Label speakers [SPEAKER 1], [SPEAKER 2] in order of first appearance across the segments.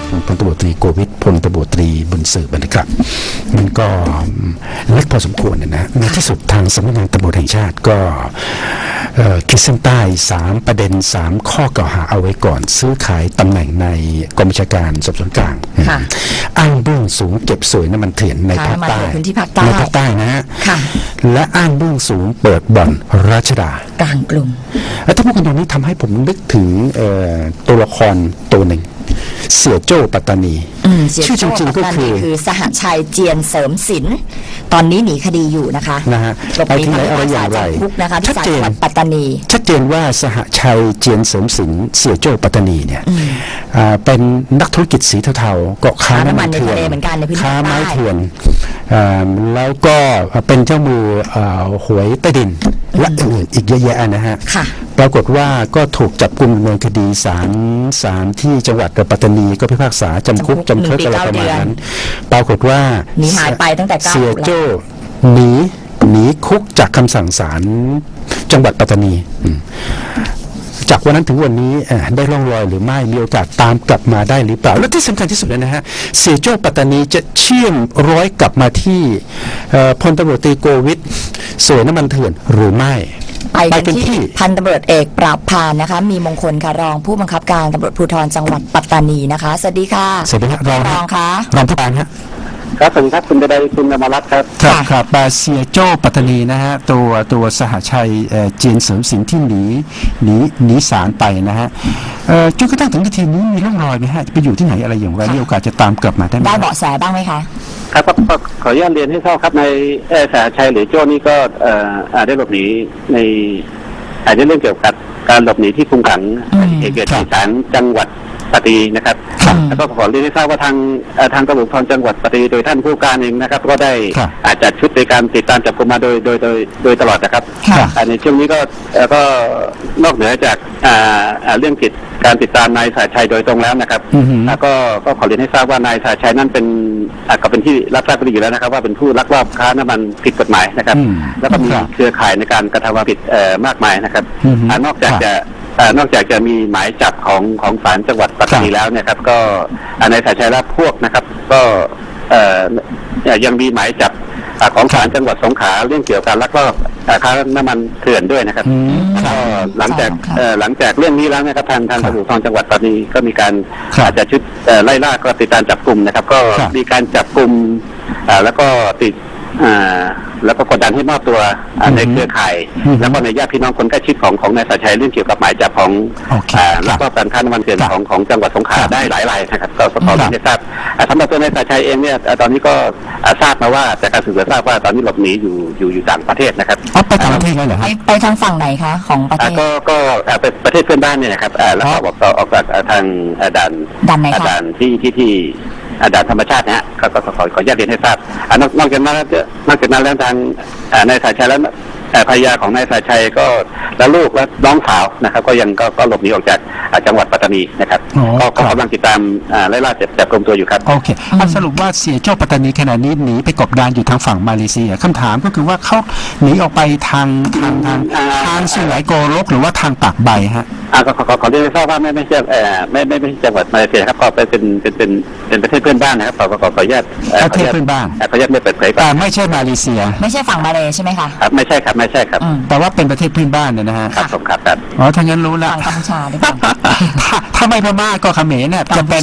[SPEAKER 1] พลตำรวจตรีโกวิทพลตำรวจตรีบุญสืบนะครับมันก็เล็กพอสมควรนะในที่สุดทางสำนักงานตำรวจแห่งชาติก็ขีดเส้นใต้3ประเด็น3ข้อกล่าวหาเอาไว้ก่อนซื้อขายตำแหน่งในกรมบัญชาการสอบสวนกลางอ้างเบื้องสูงเก็บสวยน้ำมันเถื่อนในภาคใต้ในภาคใต้นะฮะและอ้างเบื้องสูงเปิดบ่อนราชดาก
[SPEAKER 2] ลางกรุง
[SPEAKER 1] แล้วถ้าพูดกันตรงนี้ทำให้ผมนึกถึงตัวละครตัวหนึ่งเสี่ยโจ้ปัตตานีชื่อจริงๆก็คือ
[SPEAKER 2] สหชัยเจียนเสริมศิลป์ตอนนี้หนีคดีอยู่นะคะ
[SPEAKER 1] ไปที่ไหนอะไรอย่างไร
[SPEAKER 2] ชัดเจนปัตตานี
[SPEAKER 1] ชัดเจนว่าสหชัยเจียนเสริมศิลป์เสี่ยโจ้ปัตตานีเนี่ยเป็นนักธุรกิจสีเทาๆเกาะค้าน้ำมันเถื่อนค้าไม้เถื่อนแล้วก็เป็นเจ้ามือหวยใต้ดินและอื่นอีกเยอะแยะนะฮะปรากฏว่าก็ถูกจับกุมดำเนินคดีศาลที่จังหวัดปัตตานีก็พิพากษาจำคุกจำคุกอะไรประมาณนั้นปรากฏว่า
[SPEAKER 2] หนีหายไปตั้งแต่
[SPEAKER 1] เสียโจ้หนีคุกจากคำสั่งศาลจังหวัดปัตตานีจากวันนั้นถึงวันนี้ได้ร่องรอยหรือไม่มีโอกาสตามกลับมาได้หรือเปล่าและที่สำคัญที่สุดเลยนะฮะเสียโจ้ปัตตานีจะเชื่อมร้อยกลับมาที่พลตำรวจตรีโกวิทสวยน้ำมันเถื่อนหรือไม่
[SPEAKER 2] ไปกันที่พันตำรวจเอกปราบพานนะคะมีมงคลค่ะรองผู้บังคับการตำรวจภูธรจังหวัดปัตตานีนะคะสวัสดีค่ะ
[SPEAKER 1] สวัสดีครับรอง
[SPEAKER 2] ค่ะ
[SPEAKER 1] รองผู้การครับ
[SPEAKER 3] ครับสวัสดีครับคุณใดคุณอมรรัตน์ครับ
[SPEAKER 1] ครับเสียโจ้ปัตตานีนะฮะตัวสหชัยเจียนเสริมศิลป์ที่หนีศาลไปนะฮะจนกระทั่งถึงนาทีนี้มีร่องรอยไหมฮะไปอยู่ที่ไหนอะไรอย่างไรมีโอกาสจะตามกลับมาได้ไหม
[SPEAKER 2] ได้เบาะแสบ้างไหมคะ
[SPEAKER 3] ครับก็ขออนุญาตเรียนให้ทราบครับในสหชัยหรือโจ้นี่ก็ได้หลบหนีในอาจจะเรื่องเกี่ยวกับการหลบหนีที่คุมขังเหตุเกิดที่ศาลจังหวัดปัตตานีนะครับแล้วก็ขอเรียนให้ทราบว่าททางตำรวจภูธรจังหวัดปัตตานีโดยท่านผู้การเองนะครับก็ได้จัดชุดในการติดตามจับกุมมาโดยตลอดนะครับในช่วงนี้ก็นอกเหนือจากเรื่องการติดตามนายสาชัยโดยตรงแล้วนะครับก็ขอเรียนให้ทราบว่านายสาชัยนั่นเป็นก็เป็นที่รับทราบกันอยู่แล้วนะครับว่าเป็นผู้ลักลอบค้าน้ำมันผิดกฎหมายนะครับแล้วก็มีเครือข่ายในการกระทำความผิดมากมายนะครับนอกจากจะมีหมายจับของศาลจังหวัดปัตตานีแล้วเนี่ยครับก็ในสายชัยและพวกนะครับก็ยังมีหมายจับของศาลจังหวัดสงขลาเรื่องเกี่ยวกับการลักลอบค้าน้ำมันเถื่อนด้วยนะครับก็หลังจากเรื่องนี้แล้วนะครับทางตำรวจภูธรจังหวัดปัตตานีก็มีการจัดชุดไล่ล่าก็ติดตามจับกลุ่มนะครับก็มีการจับกลุ่มแล้วก็กดดันให้มอบตัวในเครือข่ายแล้วก็ในญาติพี่น้องคนใกล้ชิดของนายสาชัยเรื่องเกี่ยวกับหมายจับของแล้วก็การค้าน้ำมันเถื่อนของจังหวัดสงขลาได้หลายรายนะครับก็ขอเรียนให้ทราบสำหรับตัวนายสาชัยเองเนี่ยตอนนี้ก็ทราบมาว่าจากการสืบสวนทราบว่าตอนนี้หลบหนีอยู่ต่างประเทศนะครับ
[SPEAKER 1] ไปต่างประเทศแล้วเหรอ
[SPEAKER 2] ไปทางฝั่งไหนคะของประเทศ
[SPEAKER 3] ก็เป็นประเทศเพื่อนบ้านเนี่ยนะครับแล้วก็ออกจากทางด่านที่ด่านธรรมชาตินะฮะก็ขออนุญาตเรียนให้ทราบนอกจากนั้นแล้วทางนายสาชัยและภรรยาของนายสาชัยก็และลูกและน้องสาวนะครับก็ยังก็หลบหนีออกจากจังหวัดปัตตานีนะครับก็กำลังติดตามไล่ล่าจับกุมตัวอยู่ครับ
[SPEAKER 1] โอเคสรุปว่าเสียโจ้ปัตตานีขณะนี้หนีไปกบดานอยู่ทางฝั่งมาเลเซียคำถามก็คือว่าเขาหนีออกไปทางสุไหงโกลกหรือว่าทางปากใบฮะ
[SPEAKER 3] ขอเรียนให้ทราบว่าไม่ใช่จังหวัดมาเลเซียครับก็เป็นประเทศเพื่อนบ้านนะครับขออนุญาต
[SPEAKER 1] ประเทศเพื่อนบ้าน
[SPEAKER 3] ขออนุญาตไม่เปิดเผย
[SPEAKER 1] แต่ไม่ใช่มาเลเซีย
[SPEAKER 2] ไม่ใช่ฝั่งมาเลใช่ไหมคะ
[SPEAKER 3] ครับไม่ใช่ครับ
[SPEAKER 1] แต่ว่าเป็นประเทศเพื่อนบ้านเนี่ยนะฮะ
[SPEAKER 3] ครับผมครับ
[SPEAKER 1] อ๋อถ้างั้นรู้แล้ว
[SPEAKER 2] กัมพูชาด้วย
[SPEAKER 1] ถ้าไม่พม่าก็เขมรเนี่ยจะเป็น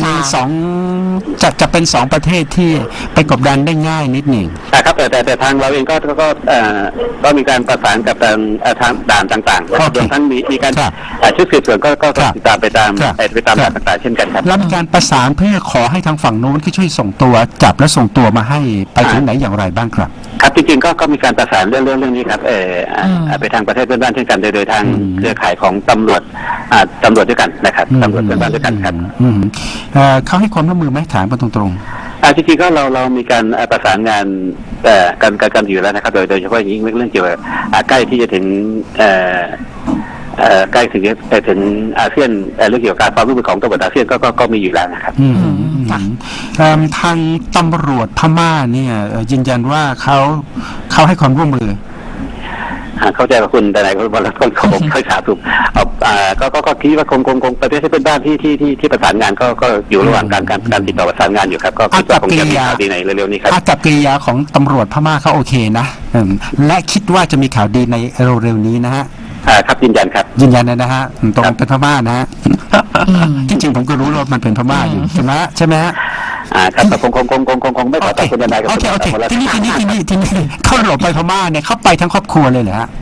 [SPEAKER 1] 2ประเทศที่ไปกบดานได้ง่ายนิดหนึ่ง
[SPEAKER 3] ครับแต่ทางเราเองก็มีการประสานกับทางด่านต่างๆรวมทั้งมีการชุดสืบสวนก็ติดตามไปตามด่านต่างๆเช่นกันครับ
[SPEAKER 1] แล้วมีการประสานเพื่อขอให้ทางฝั่งโน้นที่ช่วยส่งตัวจับและส่งตัวมาให้ไปถึงไหนอย่างไรบ้างครับ
[SPEAKER 3] ครับจริงๆก็มีการประสานเรื่องนี้ครับไปทางประเทศเพื่อนบ้านเช่นกันโดยทางเครือข่ายของตำรวจด้วยกันนะครับตำรวจเพื่อนบ้านด้วยกันครับ
[SPEAKER 1] เขาให้ความร่วมมือไหมถามกันตรง
[SPEAKER 3] ๆจริงๆก็เรามีการประสานงานกันอยู่แล้วนะครับโดยเฉพาะอย่างยิ่งเรื่องเกี่ยวกับใกล้ที่จะถึงใกล้ถึงอาเซียนเรื่องเกี่ยวกับการความร่วมมือของตำรวจอาเซียนก็มีอยู่แล้วนะครับ
[SPEAKER 1] ทางตำรวจพม่าเนี่ยยืนยันว่าเขาให้ความร่วมมือ
[SPEAKER 3] เข้าใจกับคุณแต่ไหนก็บอกแล้วก็ผมเข้าใจถูกก็คิดว่าคงประเทศที่เป็นบ้านที่ประสานงานก็อยู่ระหว่างการติดต่อประสานงานอยู่ครับก็คิดว่าคงจะมีข่าวดีในเร็วๆนี้ครับ
[SPEAKER 4] อากับกิริยาของตำรวจพม่าเขาโอเคนะและคิดว่าจะมีข่าวดีในเร็วๆนี้นะฮะ
[SPEAKER 3] ครับยืนยันครับ
[SPEAKER 4] ยืนยันนะฮะตรงเป็นพม่านะฮะจริงๆผมก็รู้ว่ามันเป็นพม่าอยู่ใช่ไหมฮะ
[SPEAKER 3] ครับคงไม่ขอตอบคุณนายกับคุณ
[SPEAKER 4] โอเคที่นี่เขาหลบไปพม่าเนี่ยเขาไปทั้งครอบครัวเลยเหรอฮะ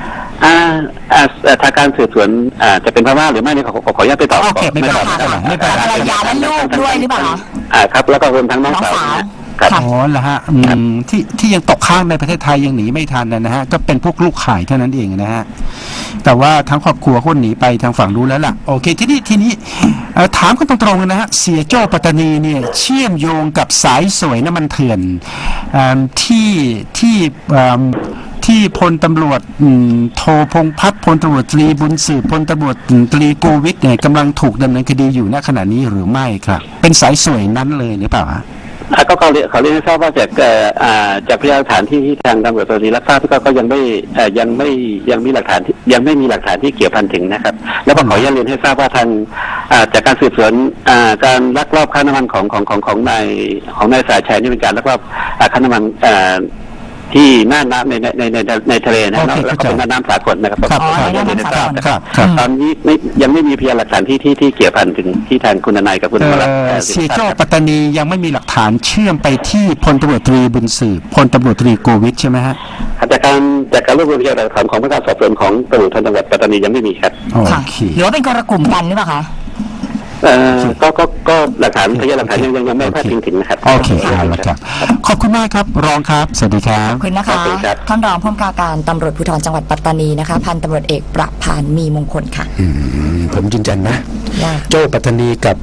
[SPEAKER 3] ทางการสืบสวนจะเป็นพม่าหรือไม่เนี่ยขออนุญาตไปตอบ
[SPEAKER 4] ไม่เป็นไร
[SPEAKER 2] ภรรยาและลูกด้วยหรือเปล่า
[SPEAKER 3] ครับแล้วก็รวมทั้งน้องสาว
[SPEAKER 4] อ๋อเหรอฮะที่ยังตกค้างในประเทศไทยยังหนีไม่ทันนะฮะก็เป็นพวกลูกข่ายเท่านั้นเองนะฮะแต่ว่าทั้งครอบครัวคนหนีไปทางฝั่งนู้นแล้วล่ะโอเคทีนี้ถามกันตรงๆนะฮะเสียโจ้ปัตตานีเนี่ยเชื่อมโยงกับสายสวยน้ำมันเถื่อนที่พลตำรวจโทพงษ์พัฒน์พลตำรวจตรีบุญสืบพลตำรวจตรีโกวิทเนี่ยกำลังถูกดำเนินคดีอยู่ณขณะนี้หรือไม่ครับเป็นสายสวยนั้นเลยหรือเปล่า
[SPEAKER 3] ก็เขาเรียนให้ทราบว่าจากพยานหลักฐานที่ทางตำรวจตอนนี้รับทราบก็ยังมีหลักฐานยังไม่มีหลักฐานที่เกี่ยวพันถึงนะครับแล้วก็ขออนุญาตเรียนให้ทราบว่าทางจากการสืบสวนการลักลอบค้าน้ำมันของนายสายชัยนี่เป็นการลักลอบค้าน้ำมันที่น่านน้ำในทะเลนะแล้วก็เป็นน้ำสากลนะครับตอนนี้ยังไม่มีพยานหลักฐานที่เกี่ยวพันถึงที่ทางคุณนายกับคุณวรัตน์
[SPEAKER 4] เสียโจ้ปัตตานียังไม่มีหลักฐานเชื่อมไปที่พลตำรวจตรีบุญสืบพลตำรวจตรีโกวิทใช่ไหมฮะ
[SPEAKER 3] จากการรวบรวมพยานหลักฐานของพนักงานสอบสวนของตำรวจจังหวัดปัตตานียังไม่มีครับ
[SPEAKER 2] หรือว่าเป็นคนละกลุ่มกันหรือเปล่าคะ
[SPEAKER 3] ก็หลักฐานพยานหลักฐานยังไม่พาดพิงถึงนะครับ
[SPEAKER 4] โอเคครับขอบคุณมากครับรองครับสวัสดีครับ
[SPEAKER 2] ขอบคุณนะคะท่านรองผู้กำกับการตำรวจภูธรจังหวัดปัตตานีนะคะพันตำรวจเอกประภานมีมงคลค่ะ
[SPEAKER 1] ผมยืนยันนะโจ้ปัตตานีกับ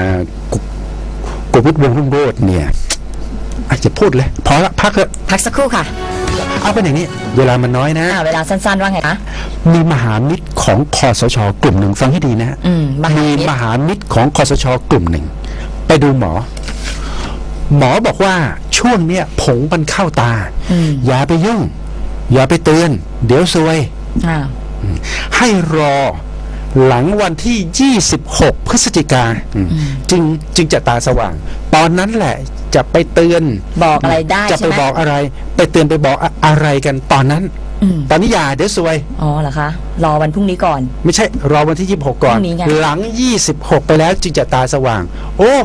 [SPEAKER 1] กุวิทย์วงศ์รุ่งโรจน์เนี่ยอาจจะพูดเลยพอละพัก
[SPEAKER 2] สักครู่ค่ะ
[SPEAKER 1] เอาเป็นอย่างนี้เวลามันน้อยนะ
[SPEAKER 2] เวลาสั้นๆว่าไงคะ
[SPEAKER 1] มีมหามิตรของคสช.กลุ่มหนึ่งฟังให้ดีนะมีมหามิตรของคสช.กลุ่มหนึ่งไปดูหมอบอกว่าช่วงเนี้ยผงมันเข้าตาอย่าไปยุ่งอย่าไปเตือนเดี๋ยวซวยให้รอหลังวันที่26พฤศจิกาจึงจะตาสว่างตอนนั้นแหละจะไปเตือน
[SPEAKER 2] บอกอะไรได้
[SPEAKER 1] จะไปบอกอะไรไปเตือนไปบอกอะไรกันตอนนั้นตอนนี้อย่าเดี๋ยวซวย
[SPEAKER 2] เหรอคะรอวันพรุ่งนี้ก่อน
[SPEAKER 1] ไม่ใช่รอวันที่26ก่อนหลัง26ไปแล้วจึงจะตาสว่างโอ้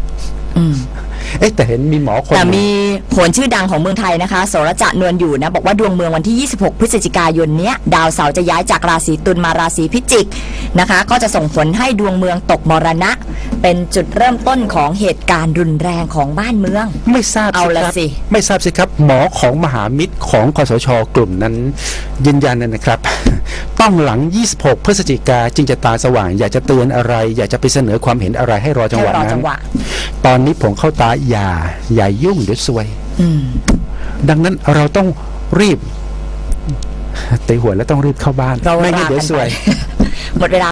[SPEAKER 1] แต่เห็นมีหมอคน
[SPEAKER 2] แต่มีโหนชื่อดังของเมืองไทยนะคะโสรจะนวลอยู่นะบอกว่าดวงเมืองวันที่26พฤศจิกายนเนี้ยดาวเสาร์จะย้ายจากราศีตุลมาราศีพิจิกนะคะก็จะส่งผลให้ดวงเมืองตกมรณะเป็นจุดเริ่มต้นของเหตุการณ์รุนแรงของบ้านเมือง
[SPEAKER 1] ไม่ทราบสิไม่ทราบสิครับหมอของมหามิตรของคสช.กลุ่มนั้นยืนยันนะครับต้องหลัง26พฤศจิกาจึงจะตาสว่างอยากจะเตือนอะไรอยากจะไปเสนอความเห็นอะไรให้รอจังหวะนั้นตอนนี้ผมเข้าตาอย่ายุ่งเดี๋ยวซวยดังนั้นเราต้องรีบตีหัวแล้วต้องรีบเข้าบ้านไม่งั้นเดี๋ยวซวย
[SPEAKER 2] หมดเวลา